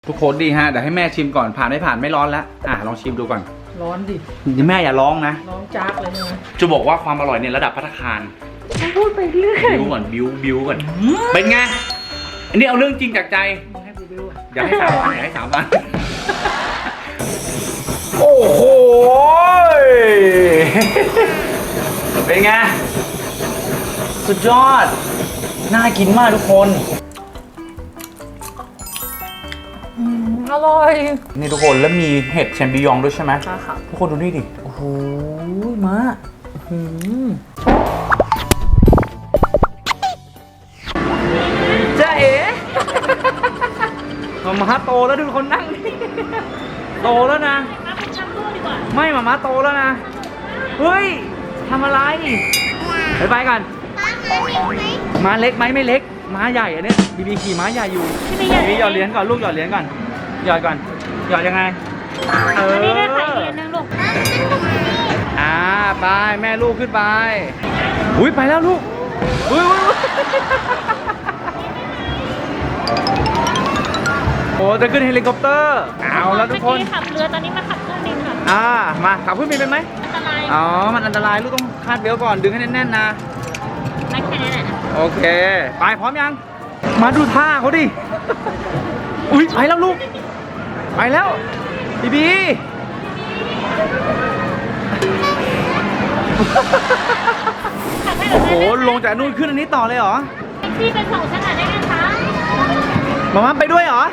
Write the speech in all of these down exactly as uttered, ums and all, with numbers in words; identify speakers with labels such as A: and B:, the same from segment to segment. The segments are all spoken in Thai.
A: ทุกคนดีฮะเดี๋ยวให้แม่ชิมก่อนผ่านไม่ผ่านไม่ร้อนแล้วอ่ะลองชิมดูก่อน
B: ร้อนดิ
A: แม่อย่าร้องนะ
B: ร้องจากเลยใช่ไหม
A: จะบอกว่าความอร่อยในระดับภัตตาคาร
B: พูดไปเรื่อย
A: บิวก่อนบิวบิวก่อนเป็นไงอันนี้เอาเรื่องจริงจากใจ
B: มึงให้กูบิวอ่ะ
A: อยากให้สามวันอยากให้สามวันโอ้โหเป็นไงสุดยอดน่ากินมากทุกคน
B: อร่อย
A: นี่ทุกคนแล้วมีเห็ดแชมปิญองด้วยใช่ไหม
B: ค่ะค่ะ
A: ทุกคนดูนี่ดิโอ้โหมาจ้าเอ๋มาม่าโตแล้วดูคนนั่งนี่โตแล้วนะไม่มาม่าโตแล้วนะเฮ้ยทำอะไรไปไปกันม้าเล็กไหมไม่เล็กม้าใหญ่อันนี้บีบีขี่ม้าใหญ่อยู่บีบีหยอดเหรียญก่อนลูกหยอดเหรียญก่อนหยอดก่อนหยอดยังไงเออ
C: นี่ได้ใส่เหรียญนึงลูก
A: อ่าไปแม่ลูกขึ้นไปอุ้ยไปแล้วลูกอุ้ยอุ้ยโอ้จะขึ้นเฮลิคอปเตอร์เอาแล้วทุกคน
C: เมื่อกี้ขับเรือตอนนี้มาขับเครื่องบินค่ะ
A: อ่ามาขับขึ้นบินเป็นไหม
C: อันตราย
A: อ๋อมันอันตรายลูกต้องคาดเบลต์ก่อนดึงให้แน่นๆนะ
C: ไม่แค่นั้นแหละ
A: โอเคไปพร้อมยังมาดูท่าเขาดิอุ้ยไปแล้วลูกไปแล้วบีบี
C: ขับให้
A: โอ้
C: เรา
A: โหลงจากนู่นขึ้นอันนี้ต่อเลยเหรอ
C: พี่เป็นส่งฉันหน่อยได้ไหมคะ
A: มามาไปด้วยเหรอ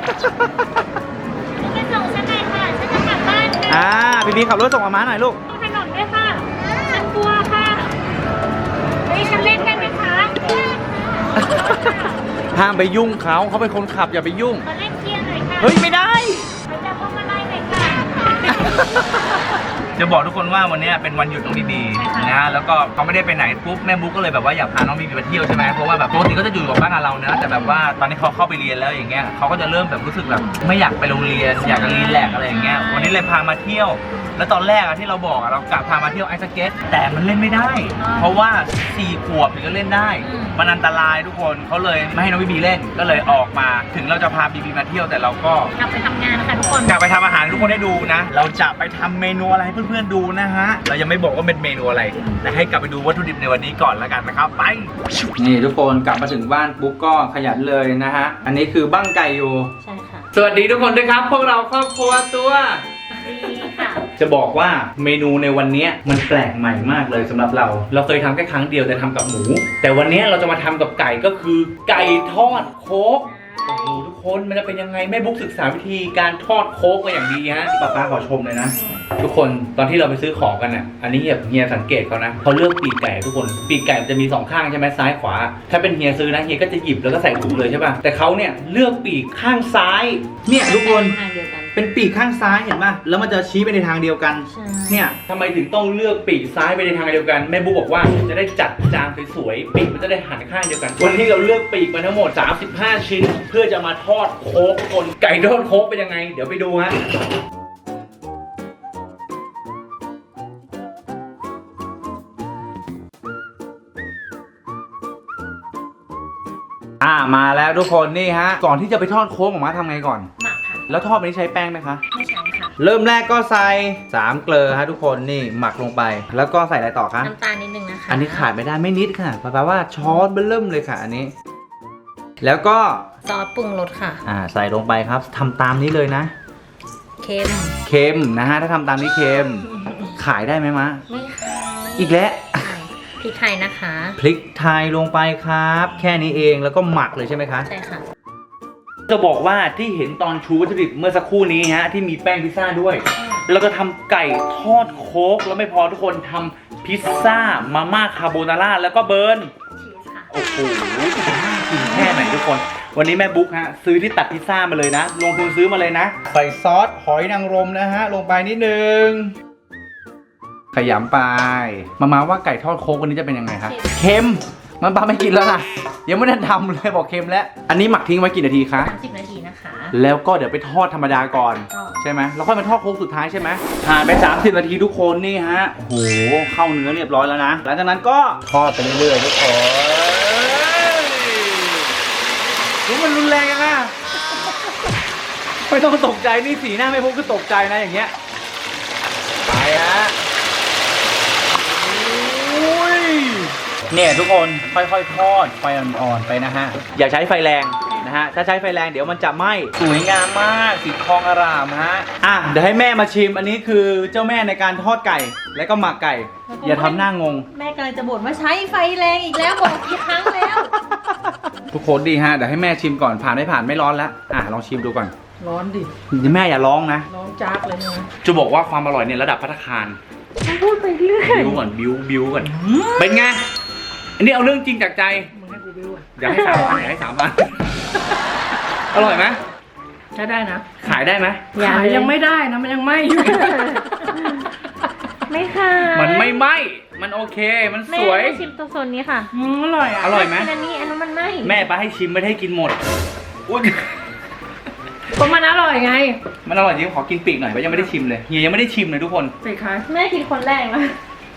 C: พี่เป็นส่งฉันหน่อยค่ะฉันจะกลับบ้านค่ะ
A: อ่าบีบีขับรถส่งมาม้าหน่อยลูก
C: ตรงถนนด้วยค่ะฉันกลัวค่ะเฮ้ยฉันเล่นได้ไหมคะ
A: ห้ามไปยุ่งเขาเขาเป็นคนขับอย่าไปยุ่ง
C: มาเล่นเชียร์หน่อยค่ะ
A: เฮ้ยไม่ได้
C: มันจะพวงมาลัยหน่อยค่ะ
A: จะบอกทุกคนว่าวันนี้เป็นวันหยุดน้องบีบีนะแล้วก็เขาไม่ได้ไปไหนปุ๊บแม่บุ๊กก็เลยแบบว่าอยากพาน้องบีบีไปเที่ยวใช่ไหมเพราะว่าแบบปกติก็จะอยู่กับบ้านกับเรานะแต่แบบว่าตอนนี้เขาเข้าไปเรียนแล้วอย่างเงี้ยเขาก็จะเริ่มแบบรู้สึกแบบไม่อยากไปโรงเรียนอยากจะรีแลกซ์อะไรอย่างเงี้ยวันนี้เลยพามาเที่ยว แล้วตอนแรกอะที่เราบอกอะเรากะพามาเที่ยวไอซ์สเก็ตแต่มันเล่นไม่ได้ เพราะว่าสี่ขวบถึงจะเล่นได้มันอันตรายทุกคนเขาเลยไม่ให้น้องบีบีเล่นก็เลยออกมาถึงเราจะพาบีบีมาเที่ยวแต่เราก็
C: กลับไปทำงานนะคะทุกคน
A: อยากไปทำอาหารให้ทุกคนได้ดูนะ เราจะไปทำเมนูอะไรให้เพื่อนๆดูนะฮะ เรายังไม่บอกว่าเป็นเมนูอะไร แต่ให้กลับไปดูวัตถุดิบในวันนี้ก่อนแล้วกันนะครับ ไป นี่ทุกคนกลับมาถึงบ้านปุ๊บก็ขยันเลยนะฮะ อันนี้คือบั้งไก่อยู่
C: ใช่ค่ะ
A: สวัสดีทุกคนด้วยครับ พวกเราครอบครัวตัว
C: ดีค่ะ
A: จะบอกว่าเมนูในวันนี้มันแปลกใหม่มากเลยสำหรับเรา เราเคยทำแค่ครั้งเดียวแต่ทำกับหมู แต่วันนี้เราจะมาทำกับไก่ก็คือไก่ทอดโค้ก โอ้โหทุกคนมันจะเป็นยังไงแม่บุ๊กศึกษาวิธีการทอดโค้กมาอย่างดีฮะป้าป้าขอชมเลยนะทุกคนตอนที่เราไปซื้อของกันอ่ะอันนี้เฮียสังเกตเขานะเขาเลือกปีกไก่ทุกคนปีกไก่มันจะมีสองข้างใช่ไหมซ้ายขวาถ้าเป็นเฮียซื้อนะเฮียก็จะหยิบแล้วก็ใส่ถุงเลยใช่ป่ะแต่เขาเนี่ยเลือกปีกข้างซ้ายเนี่ยทุกคน
C: ทางเดียวกัน
A: เป็นปีกข้างซ้ายเห็นป่ะแล้วมันจะชี้ไปในทางเดียวกัน
C: ใช่
A: เนี่ยทำไมถึงต้องเลือกปีกซ้ายไปในทางเดียวกันแม่บุ๊กบอกว่าจะได้จัดจานสวยๆปีกมันจะได้หันข้างเดียวกันวันนี้เราเลือกปีกมาทั้งหมดสามสิบห้าชิ้น เพื่อจะมาทอดโค้กคนไก่ทอดโค้กเป็นยังไงเดี๋ยวไปดูฮะอ่ามาแล้วทุกคนนี่ฮะก่อนที่จะไปทอดโค้กออกมาทำไงก่อน
C: หมักค่ะ
A: แล้วทอดไปนี้ใช้แป้งไหมคะ
C: ไม่ใช่ค่ะ
A: เริ่มแรกก็ใส่สามเกลือฮะทุกคนนี่หมักลงไป แล้วก็ใส่อะไรต่อคะ
C: น้ำตาลนิดนึงนะคะ
A: อันนี้ขาดไม่ได้ไม่นิดค่ะแปลว่าช้อนเบิ่มเลยค่ะอันนี้ แล้วก็
C: ซอสปรุงรสค่ะ
A: อ่าใส่ลงไปครับทำตามนี้เลยนะ
C: เค็ม
A: เค็มนะฮะถ้าทำตามนี้เค็มขายได้ไหมมะ
C: ไม่ค่ะ
A: อีกแล้ว
C: พริกไทยนะคะ
A: พริกไทยลงไปครับ แค่นี้เองแล้วก็หมักเลยใช่ไหมคะ
C: ใช่ค่ะ
A: จะบอกว่าที่เห็นตอนชูวัตถุดิบเมื่อสักครู่นี้ฮะที่มีแป้งพิซซ่าด้วยเราจะทำไก่ทอดโค้กแล้วไม่พอทุกคนทำพิซซ่ามาม่าคาโบนาร่าแล้วก็เบิร์น
C: ชีสค่ะ
A: โอ้โหน่ากินแค่ไหนทุกคน วันนี้แม่บุ๊กฮะซื้อที่ตัดพิซซ่ามาเลยนะ ลงทุนซื้อมาเลยนะ ใส่ซอสหอยนางรมนะฮะ ลงไปนิดนึง ขยำไป มามาว่าไก่ทอดโค้กวันนี้จะเป็นยังไงครับเค็ม มันป้าไม่กินแล้วนะยังไม่ได้ทำเลยบอกเค็มแล้ว อันนี้หมักทิ้งไว้กี่นาทีคะ
C: สามสิบนาทีนะคะ
A: แล้วก็เดี๋ยวไปทอดธรรมดาก่อน
C: ก็
A: ใช่ไหมแล้วค่อยมาทอดโค้กสุดท้ายใช่ไหมผ่านไปสามสิบนาทีทุกคนนี่ฮะโอ้โหเข้าเนื้อเรียบร้อยแล้วนะหลังจากนั้นก็ทอดไปเรื่อยๆทุกคนรู้มันรุนแรงยังไงไม่ต้องตกใจนี่สีหน้าไม่พุกคือตกใจนะอย่างเงี้ยไปฮะอุ้ยเนี่ยทุกคนค่อยๆทอดไฟอ่อนๆไปนะฮะอย่าใช้ไฟแรงนะฮะถ้าใช้ไฟแรงเดี๋ยวมันจะไหม้สวยงามมากสีทองอร่ามฮะอ่ะเดี๋ยวให้แม่มาชิมอันนี้คือเจ้าแม่ในการทอดไก่แล้วก็หมักไก่อย่าทำหน้างง
C: แม่กำลังจะบ่นว่าใช้ไฟแรงอีกแล้วบอกกี่ครั้งแล้ว
A: ทุกคนดีฮะเดี๋ยวให้แม่ชิมก่อนผ่านไม่ผ่านไม่ร้อนแล้วอ่ะลองชิมดูก่อน
B: ร้อนดิ
A: แม่อย่าร้องนะ
B: ร้อนจักเลยนะ
A: จะบอกว่าความอร่อยเนี่ยระดับภัตตาคาร
B: มันพูดไปเรื่อย
A: บิวก่อนบิวบิวก่อนเป็นไงอันนี้เอาเรื่องจริงจากใจ
B: มึงให้กูบิวอ่ะ
A: อยากให้สามพันอยากให้สามพันอร่อยไหม
B: ใช้ได้นะ
A: ขายได้ไหม
B: ขายยังไม่ได้นะมันยังไม่อยู่
C: ไม่ค่ะ
A: มันไม่ไหมมันโอเคมันส
C: แม่
A: วย
C: แม่ชิมตัวโซนนี้ค่ะ
B: อืมอร่อยอ่ะ
A: อร่อยไหม
C: อันนี้อันนั้นมันไม่
A: แม่ไปให้ชิมไม่ได้ให้กินหมดอุ๊ย
B: ก็มันอร่อยไง
A: มันอร่อยจริงขอกินปีกหน่อยเพราะยังไม่ได้ชิมเลยเฮียยังไม่ได้ชิมเลยทุกคน
B: ไปขาย
C: แม่กินคนแรกนะ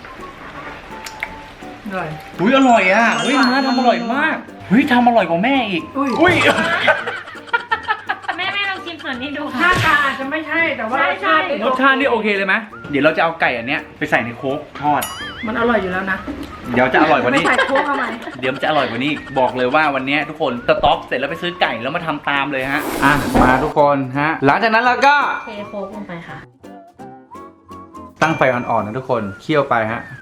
B: อร่อย
A: อุ้ยอร่อยอ่ะเฮ้ยม้าทำอร่อยมากเฮ้ยทำอร่อยกว่าแม่อีก
B: อุ้ย
A: อุ้ย
C: แม่แม่ลองชิมส่วนนี้ดู
B: หน้า
C: ค่ะ
B: ตาอาจจะไม่ใช่แต่ว่า
C: ใช่
B: รสชาติ
C: ใช่
A: รสชาตินี่โอเคเลยไหมเดี๋ยวเราจะเอาไก่อันเนี้ยไปใส่ในโค้กทอด
B: มันอร่อยอยู่แล้วนะ
A: เดี๋ยวจะอร่อยกว่า
B: ไม่
A: นี้
B: ใส่โค้กเข้ามา
A: เดี๋ยวมันจะอร่อยกว่านี้บอกเลยว่าวันนี้ทุกคนสต็อกเสร็จแล้วไปซื้อไก่แล้วมาทำตามเลยฮะอ่ะมาทุกคนฮะหลังจากนั้นเราก็
C: เทโค้กลงไปค่ะ
A: ตั้งไฟอ่อนๆนะทุกคนเคี่ยวไปฮะ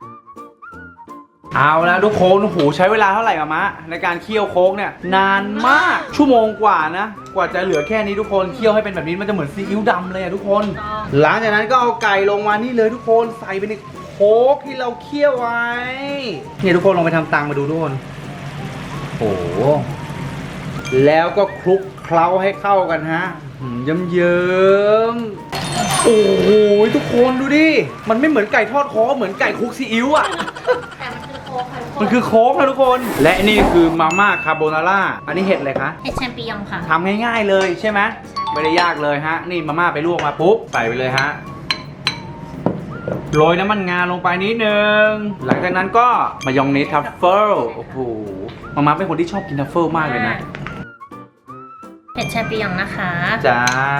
A: เอาละทุกคนโอ้โหใช้เวลาเท่าไหร่อะมะในการเคี่ยวโค้กเนี่ยนานมากชั่วโมงกว่านะกว่าจะเหลือแค่นี้ทุกคนเคี่ยวให้เป็นแบบนี้มันจะเหมือนซีอิ๊วดำเลยอะทุกคน
C: ต้อง
A: หลังจากนั้นก็เอาไก่ลงมานี่เลยทุกคนใส่ไปในโค้กที่เราเคี่ยวไว้เนี่ยทุกคนลองไปทำตังมาดูทุกคนโอ้โหแล้วก็คลุกเคล้าให้เข้ากันฮะเยิ้มเยิ้มๆโอ้โหทุกคนดูดิมันไม่เหมือนไก่ทอดโค้กเหมือนไก่คลุกซีอิ๊วอ่ะ
C: แต่มันคือโค้กค่ะ
A: มันคือโค้กนะทุกคน และนี่คือมาม่าคาโบนาร่าอันนี้เห็ดอะไรคะ
C: เห็ดแชมปิญองค่ะ
A: ทำง่ายๆเลยใช่ไหมไม่ได้ยากเลยฮะนี่มาม่าไปลวกมาปุ๊บใส่ไปเลยฮะโรยน้ำมันงาลงไปนิดนึงหลังจากนั้นก็มายองเนสทัฟเฟิลโอ้โหมาม่าเป็นคนที่ชอบกินทัฟเฟิลมากเลยนะ
C: เห็ดแชมปิญองนะคะ
A: จ้า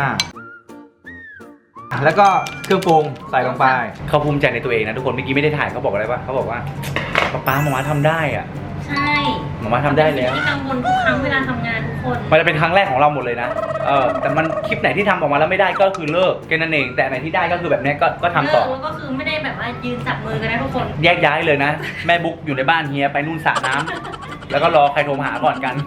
A: แล้วก็เครื่องปรุงใส่ลงไปเขาภูมิใจในตัวเองนะทุกคนเมื่อกี้ไม่ได้ถ่ายเขาบอกอะไรวะเขาบอกว่าป๊าป๊ามาม่าทำได้อ่ะ
C: ใช่
A: มาม่าทำได้แล้ว
C: ที่กังวลทุกครั้งเวลาทำงานทุกคน
A: มันจะเป็นครั้งแรกของเราหมดเลยนะเออแต่มันคลิปไหนที่ทำออกมาแล้วไม่ได้ก็คือเลิกแค่นั้นเองแต่ไหนที่ได้ก็คือแบบนี้ก็ก็ทำต่อ
C: เแล้วก็คือไม่ได้แบบว่ายืนจับมือกันนะทุกคน
A: แยกย้ายเลยนะ แม่บุ๊กอยู่ในบ้านเฮียไปนู่นสระน้ำแล้วก็รอใครโทรมาหาก่อนกัน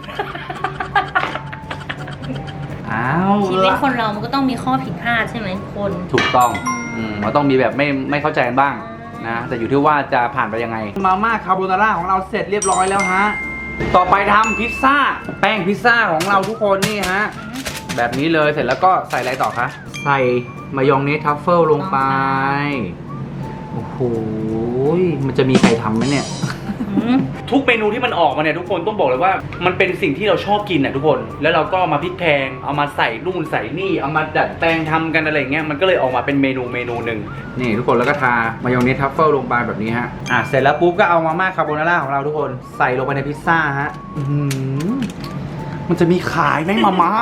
A: อ้าว
C: ชีวิตคนเรามันก็ต้องมีข้อผิดพลาดใช่ไหมทุกคน
A: ถูกต้องอืมมันต้องมีแบบไม่ไม่เข้าใจกันบ้างนะแต่อยู่ที่ว่าจะผ่านไปยังไงมาม่าคาโบนาร่าของเราเสร็จเรียบร้อยแล้วฮะต่อไปทำพิซซ่าแป้งพิซซ่าของเราทุกคนนี่ฮะแบบนี้เลยเสร็จแล้วก็ใส่อะไรต่อคะใส่มายองเนสทัฟเฟิลลงไปโอ้โหมันจะมีใครทำไหมเนี่ย ทุกเมนูที่มันออกมาเนี่ยทุกคนต้องบอกเลยว่ามันเป็นสิ่งที่เราชอบกินน่ะทุกคนแล้วเราก็มาพลิกแพงเอามาใส่นู่นใส่นี่เอามาดัดแปลงทำกันอะไรเงี้ยมันก็เลยออกมาเป็นเมนูเมนูหนึ่งนี่ทุกคนแล้วก็ทามายองเนสทัฟเฟิลลงไปแบบนี้ฮะอ่ะเสร็จแล้วปุ๊บก็เอามาม่าคาโบนาร่าของเราทุกคนใส่ลงไปในพิซซ่าฮะอื้อหือมันจะมีขายไหมมาม่า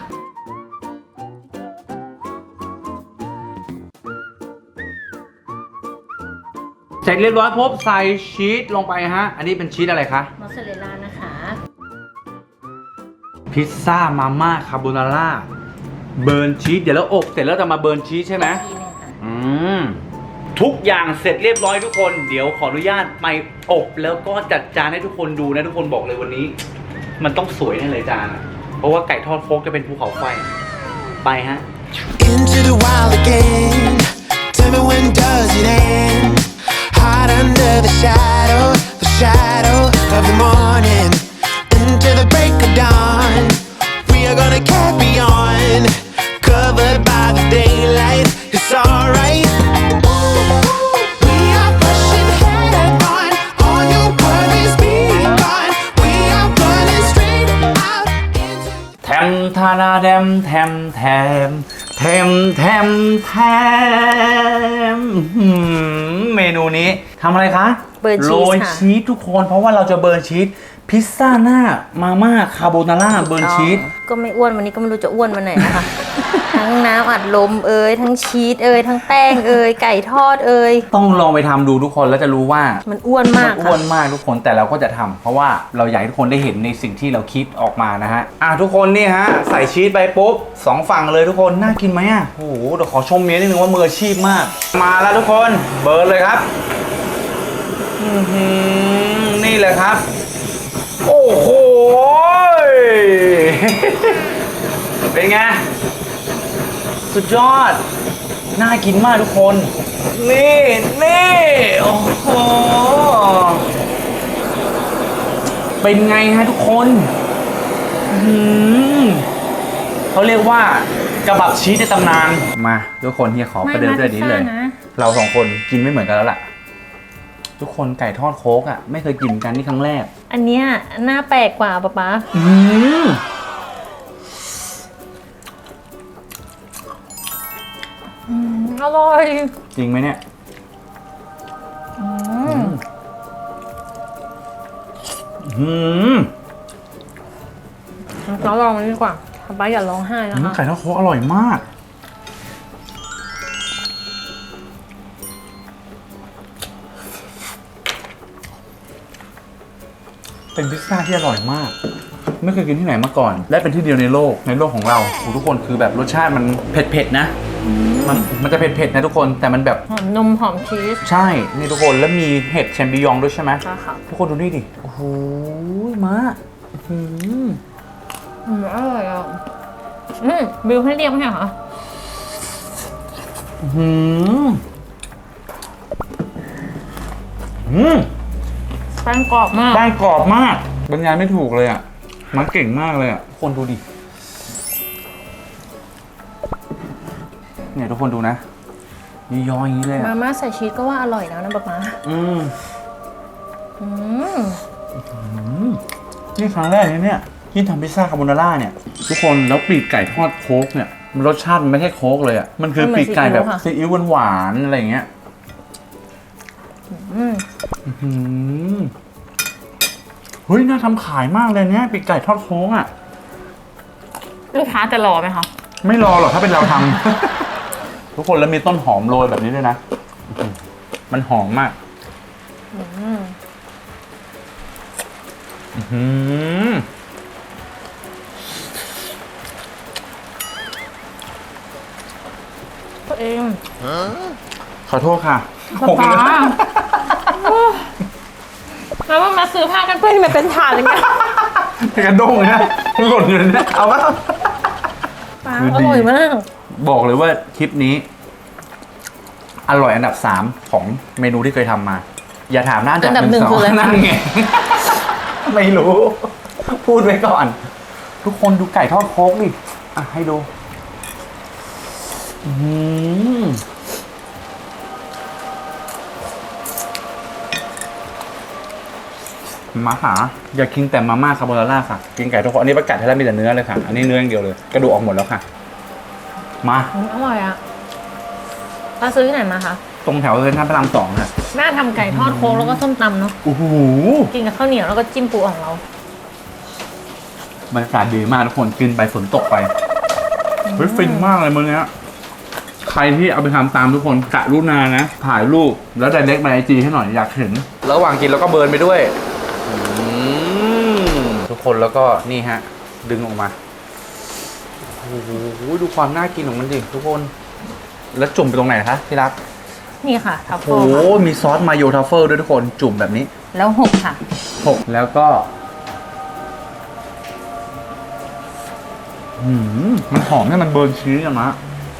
A: เสร็จเรียบร้อยปุ๊บใส่ชีสลงไปฮะอันนี้เป็นชีสอะไรคะ
C: มอสซาเรลล่านะคะ
A: พิซซ่ามาม่าคาโบนาร่าเบิร์นชีสเดี๋ยวเราอบเสร็จแล้วจะมาเบิร์นชีสใช่ไหม
C: ทีหนึงค่ะ
A: อืมทุกอย่างเสร็จเรียบร้อยทุกคนเดี๋ยวขออนุญาตไปอบแล้วก็จัดจานให้ทุกคนดูนะทุกคนบอกเลยวันนี้ มันต้องสวยแน่เลยจานอะเพราะว่าไก่ทอดโฟกจะเป็นภูเขาไฟไปฮะ
D: Into the wild again. Tell me when does it end? Hide under the shadow, the shadow of the morning. Into the break of dawn. We are gonna carry on. Covered by the daylight. It's alright. We are pushing head on. All your worries be gone. We are running straight out into.
A: แทมทาราแดมแทมแทมแทมแทมแทมหืมเมนูนี้ทำอะไรคะ
C: เบิร์นชีส
A: โรย
C: ค่ะ
A: ชีสทุกคนเพราะว่าเราจะเบิร์นชีสพิซซ่าหน้ามาม่าคาโบนาร่าเบิร์นชีส
C: ก็ไม่อ้วนวันนี้ก็ไม่รู้จะอ้วนวันไหนนะคะ ทั้งน้ำอัดลมเอ่ยทั้งชีสเอ่ยทั้งแป้งเอ่ยไก่ทอดเอ่ย
A: ต้องลองไปทำดูทุกคนแล้วจะรู้ว่า
C: มันอ้วนมาก
A: มันอ้
C: ค่ะ
A: วนมากทุกคนแต่เราก็จะทำเพราะว่าเราอยากให้ทุกคนได้เห็นในสิ่งที่เราคิดออกมานะฮะอ่ะทุกคนนี่ฮะใส่ชีสไปปุ๊บสองฝั่งเลยทุกคนน่ากินไหมอ่ะโอ้โหเดี๋ยวขอชมเมียนิดนึงว่ามืออาชีพมาก มาแล้วทุกคนเบิร์นเลยครับอื้อหือนี่เลยครับ โอ้โห เป็นไงสุดยอดน่ากินมากทุกคนนี่นี่โอ้โหเป็นไงฮะทุกคนอื้อหือเขาเรียกว่ากระบับชีสในตำนานมาทุกคนเฮียขอประเดิมด้วยนี้เลย เราสองคนกินไม่เหมือนกันแล้วล่ะทุกคนไก่ทอดโค้กอ่ะไม่เคยกินกันนี่ครั้งแรก
C: อันเนี้ยหน้าแปลกกว่าป๊าป๊า
A: อืม
C: อืมอร่อย
A: จริงไหมเนี่ย
C: อืม
A: อืม
C: เราลองมันดีกว่าป๊าป๊าอย่าร้องไห้นะคะ
A: ไก่ทอดโค้กอร่อยมาก เป็นพิซซ่าที่อร่อยมาก ไม่เคยกินที่ไหนมาก่อน และเป็นที่เดียวในโลกในโลกของเราโอ้ทุกคนคือแบบรสชาติมันเผ็ดๆนะ มันมันจะเผ็ดๆนะทุกคนแต่มันแบบ
C: หอมนมหอมชีส
A: ใช่นี่ทุกคนแล้วมีเห็ดแชมปิญองด้วยใช่ไหม
C: ค่ะค่ะ
A: ทุกคนดูนี่ดิโอ้โหมาอื้อหือ
C: อืมอร่อยอ่ะอืมบิวให้เรียกไหมคะ
A: อื้อหืออืม
C: แป้งกรอบมาก
A: แป้งกรอบมากบรรยายไม่ถูกเลยอ่ะมันเก่งมากเลยอ่ะทุกคนดูดิเนี่ยทุกคนดูนะนี่ย้อยอย่างนี้เลย
C: มา
A: อ่ะ
C: ม่าใส่ชีสก็ว่าอร่อยแล้วนะป๊าป๊า
A: อืม
C: อืม
A: นี่ครั้งแรกเลยเนี่ยที่ทำพิซซ่าคาโบนาร่าเนี่ยทุกคนแล้วปีกไก่ทอดโค้กเนี่ยมันรสชาติมันไม่ใช่โค้กเลยอ่ะมันคือปีกไก่แบบซีอิ๊วหวานๆอะไรอย่างเงี้ย
C: อืม
A: อืมเฮ้ยน่าทำขายมากเลยเนี่ยปีกไก่ทอดโค้งอ่ะ
C: ลูกค้าจะรอไหมคะ
A: ไม่รอหรอกถ้าเป็นเราทำ ทุกคนแล้วมีต้นหอมโรยแบบนี้ด้วยนะอื้อหือมันหอมมาก
C: อืม
A: อื้อหือ
C: ตัวเอง
A: ขอโทษค่ะ
C: ป๊าป๊าแล้วว่ามาซื้อผ้ากันเปื้อนที่มันเป็นถาดอย่างเงี้ย
A: กระด้งเลยนะหล่นอยู่เนี่ยเอาวะ
C: ป๊า
A: คือ
C: อ
A: ดี
C: ร่อยมาก
A: บอกเลยว่าคลิปนี้ อร่อยอันดับสามของเมนูที่เคยทำมา อย่าถามหน้า
C: อันดับหนึ่งคืออะไร
A: นั่นไง ไม่รู้ พูดไว้ก่อน ทุกคนดูไก่ทอดโค้กดิอ่ะให้ดูอื้อหือมาหาอย่ากินแต่มาม่าคาโบนาร่าค่ะ กินไก่ทอดโค้กอันนี้ประกาศให้แล้วมีแต่เนื้อเลยค่ะ อันนี้เนื้ออย่างเดียวเลย กระดูกออกหมดแล้วค่ะ มา
C: อืมอร่อยอ่ะป้าซื้อที่ไหนมาคะ
A: ตรงแถวเซ็นทรัลพระรามสองค่ะ
C: แม่ทำไก่ทอดโค้งแล้วก็ส้มตำเนาะ
A: โอ้โห
C: กินกับข้าวเหนียวแล้วก็จิ้มปูของเรา
A: บรรยากาศดีมากทุกคนกินไปฝนตกไปเฮ้ยฟินมากเลยมื้อนี้ใครที่เอาไปทำตามทุกคนกะรุณานะ ถ่ายรูปแล้วไดเรกมาไอจีให้หน่อยอยากเห็น ระหว่างกินแล้วก็เบิร์นไปด้วยทุกคนแล้วก็นี่ฮะ ดึงออกมาโอ้โหดูความน่ากินของมันดิทุกคน แล้วจุ่มไปตรงไหนคะที่รัก
C: นี่ค่ะทัฟ
A: โอ้
C: เฟิล
A: โห
C: ค่ะ
A: มีซอสมาโยทัฟเฟิลด้วยทุกคนจุ่มแบบนี้
C: แล้วหกค่ะ
A: หกแล้วก็หืมมันหอมเนี่ยมันเบิร์นชีสอะมะ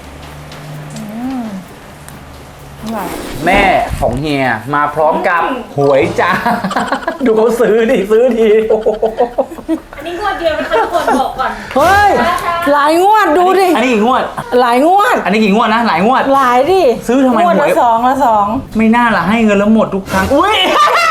C: อร่อย
A: แม่ของเฮียมาพร้อมกับหวยจ้า ดูเขาซื้อดิซื้อทีโอ้โห
C: อันนี้งวดเดียวนะคะทุกคนบอกก่อน
B: เฮ้ย หลายงวดดูดิ
A: อันนี้กี่งวด
B: หลายงวด
A: อันนี้กี่งวดนะหลายงวด
B: หลายดิ
A: ซื้อทำไม
B: งวด
A: หว
B: ละ
A: ย
B: สองละสอง
A: ไม่น่าละให้เงินแล้วหมดทุกครั้งอุ้ย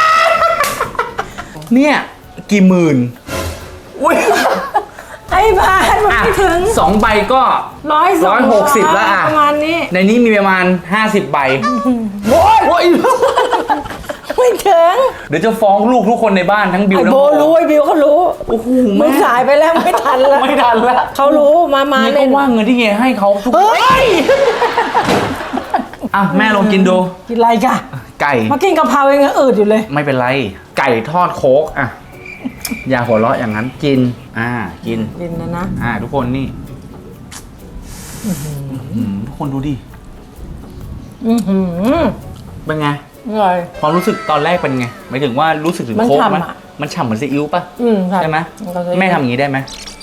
A: เนี่ยกี่หมื่นอุ้ย
B: ไอ้บ้านมันไม่ถึง
A: สองใบก็
B: ร้อยสอง
A: ร้อยหกสิบแล้วอะ
B: ประมาณนี้
A: ในนี้มีประมาณห้าสิบใบโอ้ยโอ้ย
B: ไม่ถึง
A: เดี๋ยวจะฟ้องลูกทุกคนในบ้านทั้งบิว
B: ไอ้
A: ทั้ง
B: โบ
A: โบ
B: รู้ไอ้บิวเขารู้
A: โอ้โห
B: มึ
A: แม่
B: งสายไปแล้วไม่ทันแล้ว
A: ไม่ทันแล้ว
B: เขารู้มามา
A: เฮีย
B: เล่
A: ก็
B: น
A: ว่าเงินที่เฮียให้เขาทุก
B: เฮ้ย
A: อ่ะแม่ลองกินดู
B: กินอะไรกะ
A: ไก่
B: มากินกะเพรายังอืดอยู่เลย
A: ไม่เป็นไร ไก่ทอดโค้กอ่ะอย่าหัวเราะอย่างนั้นกิน อ่ากิน
B: กินนะนะ
A: อ่าทุกคนนี่อื้อหือทุกคนดูดิ
B: อือหือ
A: เป็นไง
B: อร่อย
A: ความรู้สึกตอนแรกเป็นไงหมายถึงว่ารู้สึกถึง
B: มัน
A: โค้กไหม
B: ฉ่ำอะ
A: มันฉ่ำเหมือนซีอิ๊วป่ะ
B: อืม
A: ใช่ไหม
B: นก็จะ
A: แม่ทำอย่างนี้ได้ไหม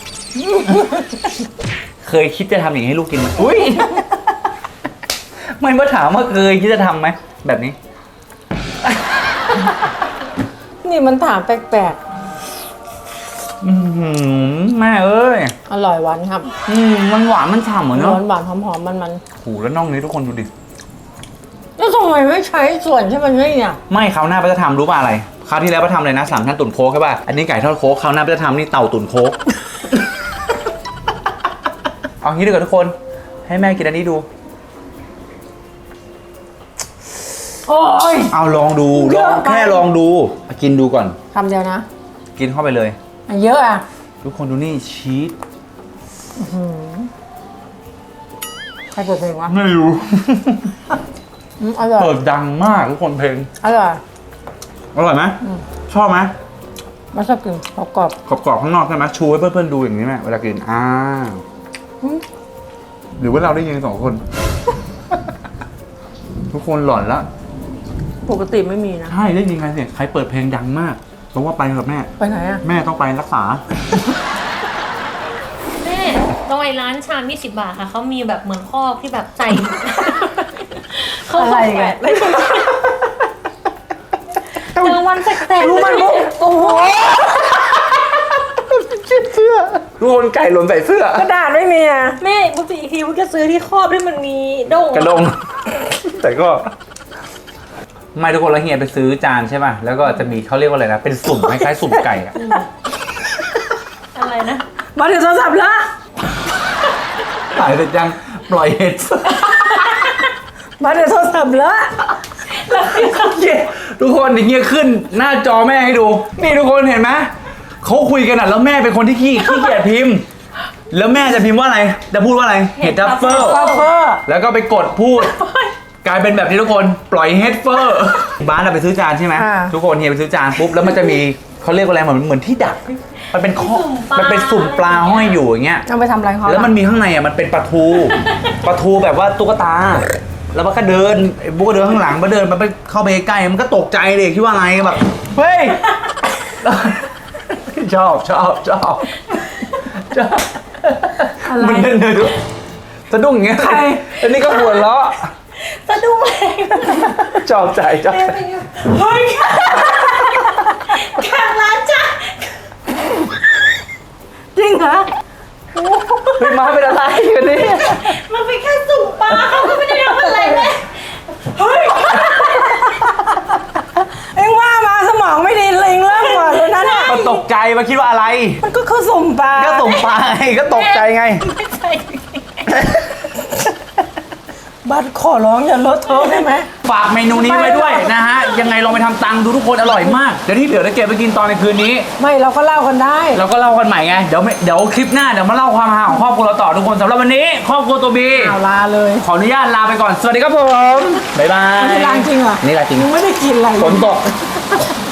A: เคยคิดจะทำอย่างนี้ให้ลูกกินไหมอุ้ย ไม่มาถามว่าเคยคิดจะทำไหมแบบนี้
B: นี่มันถามแปลก
A: อือหือแม่เอ้ย
B: ๆอร่อยหวานครับ
A: อืมมันหวานมันฉ่ำเหมือน
B: ห
A: เนาะ
B: วานหวานหอมหอมมันมัน
A: โอ้โหแล้วน่องนี้ทุกคนดูดิ
B: ๆแล้วทำไมไม่ใช้ส่วนที่มันนี่เนี่ย
A: ไม่คราวหน้าป้าจะทำรู้ป่ะอะไรคราวที่แล้วป้าทำเลยนะสามชั้นตุ๋นโค้กใช่ป่ะอันนี้ไก่ทอดโค้กคราวหน้าป้าจะทำนี่เต่าตุ๋นโค้ก เอางี้ดีกว่าทุกคน ให้แม่กินอันนี้ดู
B: โอ้ย
A: เอาลองดูล
B: เย
A: อ
B: อะ
A: ง
B: ไป
A: แค่ลองดูกินดูก่อน
B: คำเดียวนะ
A: กินเข้าไปเลย
B: อันเยอะอ่ะ
A: ทุกคนดูนี่ชีส
B: ใครเปิดเพลงวะ
A: ไม่รู้
B: อืมอร่อย
A: เปิดดังมากทุกคนเพลง
B: อร่อย
A: อร่อยไหมชอบไหม
B: มาชอบกินกรอบ
A: กรอบๆข้างนอกใช่ไหมชูให้เพื่อนๆดูอย่างนี้ไหมเวลากินอ่าหรือว่าเราได้ยินสองคน ทุกคนหลอนละ
B: ๆปกติไม่มีนะ
A: ใช่ได้ยินใครเสียงใครเปิดเพลงดังมากเพราะว่าไปกับแม่
B: ไปไหนอ่ะ
A: แม่ต้องไปรักษา
C: แม่ตรงไอ้ร้านชามยี่สิบบาทค่ะเขามีแบบเหมือนคอกที่แบบใส่ เขา
B: อะไร
C: แป
B: กั
C: ด
B: น
C: ไว้ตรงนั้นเจอวันแสกๆ
B: รู้มันมุกโอ้โห
A: เสื้อทุกคนไก่หล่นใส่เสื้อก
B: ระดาษไม่มีอ่ะ
C: แม่ปกติอีกทีมันก็ซื้อที่ครอบที่มันมีด้ง
A: กระดง แต่ก็ ไม่ทุกคนแล้วเฮียไปซื้อจานใช่ป่ะแล้วก็จะมีเขาเรียกว่าอะไรนะเป็นสุ่มคล้ายๆสุ่มไก่อะ
C: อะไรนะ
B: มาถึงโทรศัพท์แล้ว
A: ถ่ายเสร็จยังปล่อยเห็ด
B: มาถึงโทรศัพท์แล้ว
A: ทุกคนอย่างเงี้ยขึ้นหน้าจอแม่ให้ดู นี่ทุกคนเห็นไหมเขาคุยกันอ่ะแล้วแม่เป็นคนที่ขี้ขี้เกียจพิมพ์ แล้วแม่จะพิมพ์ว่าอะไรจะพูดว่าอะไรเห็ดทัฟเฟิล
B: ทัฟเฟอร์
A: แล้วก็ไปกดพูด กลายเป็นแบบนี้ทุกคนปล่อยเฮดเฟอร์บ้านเราไปซื้อจานใช่ไหมทุกคนเฮียไปซื้อจานปุ๊บแล้วมันจะมีเขาเรียกว่าอะไรเหมือนเหมือนที่ดัก มันเป็นข้อมันเป็นสุ่มปลาห้อยอยู่อย่างเงี้ย
B: เอาไปทำอะไรเขา
A: แล้วมันมีข้างในอ่ะมันเป็นปลาทู ปลาทูแบบว่าตุ๊กตา แล้วมันก็เดินไอ้บุ๊กก็เดินข้างหลังมาเดินมันไปเข้าไปใกล้มันก็ตกใจเลยคิดว่าอะไรแบบเฮ้ย ชอบชอบชอบชอบ
B: อะไร
A: มันเดินเดินดูสะดุ้งอย่างเงี้ย
B: ใคร
A: อันนี้ก็หัวเราะ
C: สะดุ้งเลย
A: ชอบใจชอบใจ
C: เฮ้ยข้างร้านจ้ะ
B: จริงเหรอ
A: เฮ้ยมาเป็นอะไรกันเนี่ย
C: มันเป็นแค่สุ่มปลาเขาก็ไม่ได้ทำอะไรเลยเฮ้ย
B: เอ็งว่ามาสมองไม่ดีเลยเอ็งเริ่มก่อนเลยนะเนี่ย
A: มันตกใจมาคิดว่าอะไร
B: มันก็คือสุ่มปลา
A: ก็ส่งไปก็ตกใจไง
C: ไม่ใช่
B: บัตรขอร้องอย่าลดโทษได้ไหม
A: ฝากเมนูนี้ไว้ด้วยนะฮะ ยังไงลองไปทำตังดูทุกคนอร่อยมาก เดี๋ยวที่เหลือจะเก็บไปกินตอนในคืนนี้
B: ไม่เราก็เล่ากันได้
A: เราก็เล่ากันใหม่ไง เดี๋ยวไม่เดี๋ยวคลิปหน้าเดี๋ยวมาเล่าความฮาของครอบครัวเราต่อทุกคนสำหรับวันนี้ ครอบครัวตัวบี
B: เอาลาเลย
A: ขออนุญาตลาไปก่อน สวัสดีครับผม บ๊ายบาย
B: ไม่ได้ลาจริงเหรอ
A: นี่ลาจริง
B: ยังไม่ได้กินอะไรเลย
A: ฝนตก